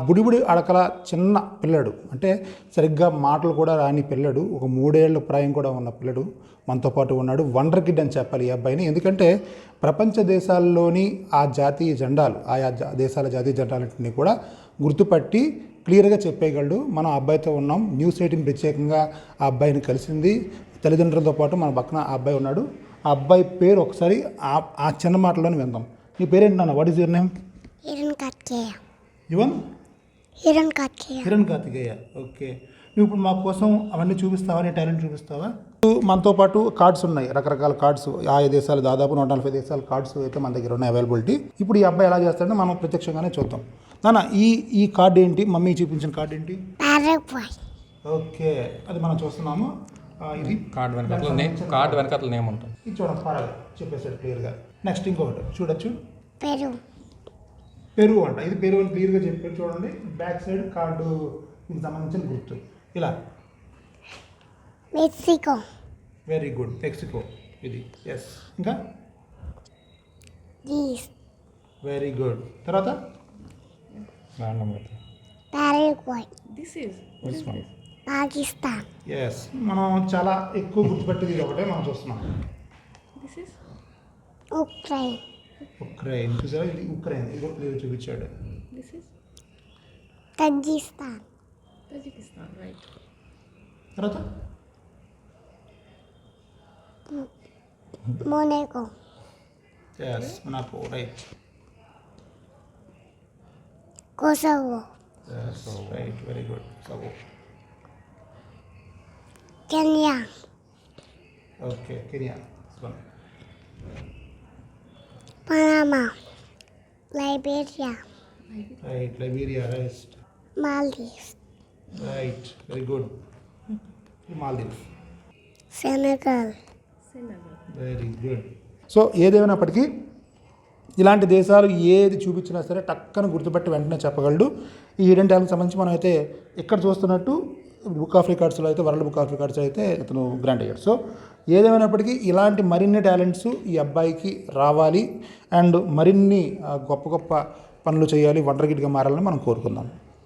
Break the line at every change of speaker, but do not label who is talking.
బుడిబుడి అడకల చిన్న పిల్లడు, అంటే సరిగ్గా మాటలు కూడా రాని పిల్లడు, ఒక 3 ఏళ్ల ప్రాయం కూడా ఉన్న పిల్లడు మనతో పాటు ఉన్నాడు. వండర్ కిడ్ అని చెప్పాలి ఈ అబ్బాయిని. ఎందుకంటే ప్రపంచ దేశాల్లోని ఆ జాతీయ జెండాలు, ఆయా దేశాల జాతీయ జెండాలన్నింటినీ కూడా గుర్తుపట్టి క్లియర్గా చెప్పేయగలడు. మనం ఆ అబ్బాయితో ఉన్నాం. న్యూస్ 18 ప్రత్యేకంగా ఆ అబ్బాయిని కలిసింది. తల్లిదండ్రులతో పాటు మన పక్కన ఆ అబ్బాయి ఉన్నాడు. ఆ అబ్బాయి పేరు ఒకసారి ఆ చిన్న మాటలోనే విందాం. నీ పేరేంటి నాన్న? What is your name? Hiran Karthikeya. Okay. నువ్వు ఇప్పుడు మా కోసం అవన్నీ చూపిస్తావా? నీ టాలెంట్ చూపిస్తావా? మనతో పాటు కార్డ్స్ ఉన్నాయి, రకరకాల కార్డ్స్. ఆయా దేశాలు దాదాపు 140 దేశాల కార్డ్స్ అయితే మన దగ్గర ఉన్నాయి అవైలబిలిటీ. ఇప్పుడు ఈ అబ్బాయి ఎలా చేస్తాడో మనం ప్రత్యక్షంగానే చూద్దాం. నాన్న, ఈ కార్డ్ ఏంటి? మమ్మీ చూపించిన కార్డ్ ఏంటి? ఓకే, అది మనం చూస్తున్నాము. ఇది
కార్డ్ వెనకాల నేమ్ ఉంటుంది.
ఇది చూడండి, పర్వాలేదు చెప్పేసాడు క్లియర్గా. నెక్స్ట్ ఇంకొకటి చూడొచ్చు, పెరుగు అంట. ఇది పెరుగు అని క్లియర్గా చెప్పారు. చూడండి, బ్యాక్ సైడ్ కార్డు దీనికి సంబంధించిన గుర్తు ఇలా.
మెక్సికో.
వెరీ గుడ్, మెక్సికో ఇది. ఎస్. ఇంకా వెరీ గుడ్. తర్వాత
పాకిస్తాన్.
ఎస్, మనం చాలా ఎక్కువ గుర్తుపెట్టేది ఇది ఒకటే మనం చూస్తున్నాం. ఉక్రెయిన్ చూసారా? ఇది ఉక్రెయిన్. ఇది కూడా క్లియర్ చూపించాడు.
తజికిస్తాన్.
రైట్.
తర్వాత
Monaco.
Yes, Monaco. Right.
Kosovo.
Yes, right. Very good. Kosovo.
Kenya.
Okay, Kenya.
Panama. Liberia.
Right, Liberia. Right.
Maldives.
Right, very good. Maldives.
Senegal.
Very good. So ఏదేమైనప్పటికీ ఇలాంటి దేశాలు ఏది చూపించినా సరే టక్కన గుర్తుపెట్టి వెంటనే చెప్పగలడు. ఈ హిడెన్ టాలెంట్కి సంబంధించి మనం అయితే ఇక్కడ చూస్తున్నట్టు బుక్ ఆఫ్ రికార్డ్స్లో అయితే, వరల్డ్ బుక్ ఆఫ్ రికార్డ్స్ అయితే ఇతను గ్రాంట్ అయ్యాడు. సో ఏదేమైనప్పటికీ ఇలాంటి మరిన్ని టాలెంట్స్ ఈ అబ్బాయికి రావాలి అండ్ మరిన్ని గొప్ప గొప్ప పనులు చేయాలి, వండర్ కిడ్గా మారాలని మనం కోరుకుందాం.